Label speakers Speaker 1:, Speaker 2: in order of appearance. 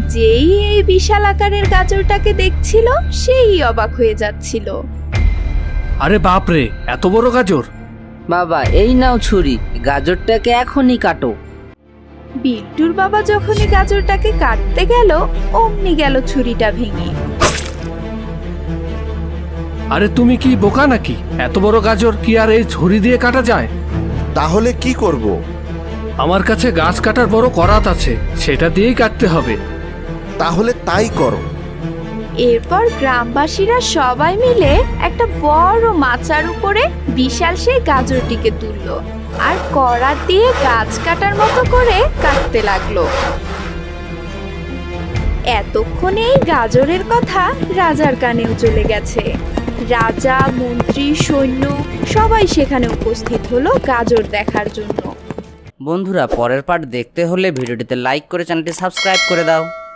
Speaker 1: যেই এই বিশাল আকারের গাজরটাকে দেখছিল সেই অবাক হয়ে যাচ্ছিল।
Speaker 2: আরে বাপরে, এত বড় গাজর!
Speaker 3: বাবা এই নাও ছুরি, গাজরটাকে এখনই কাটো।
Speaker 1: বিল্টুর বাবা যখনই গাজরটাকে কাটতে গেল অমনি গেল ছুরিটা ভেঙে।
Speaker 2: আরে তুমি কি বোকা নাকি? এত বড় গাজর কি আর এই ছুরি দিয়ে কাটা যায়?
Speaker 4: তাহলে কি করব?
Speaker 2: আমার কাছে গাছ কাটার বড় করাত আছে, সেটা দিয়েই কাটতে হবে।
Speaker 4: তাহলে তাই করো।
Speaker 1: এরপর গ্রামবাসীরা সবাই মিলে একটা বড় মাচার উপরে বিশাল সেই গাজরটিকে তুললো আর করাত দিয়ে গাছ কাটার মতো করে কাটতে লাগলো। এতক্ষণে এই গাজরের কথা রাজার কানেও চলে গেছে। রাজা, মন্ত্রী, সৈন্য সবাই সেখানে উপস্থিত হলো গাজর দেখার জন্য।
Speaker 3: বন্ধুরা, পরের পার্ট দেখতে হলে ভিডিওটিতে লাইক করে চ্যানেলটি সাবস্ক্রাইব করে দাও।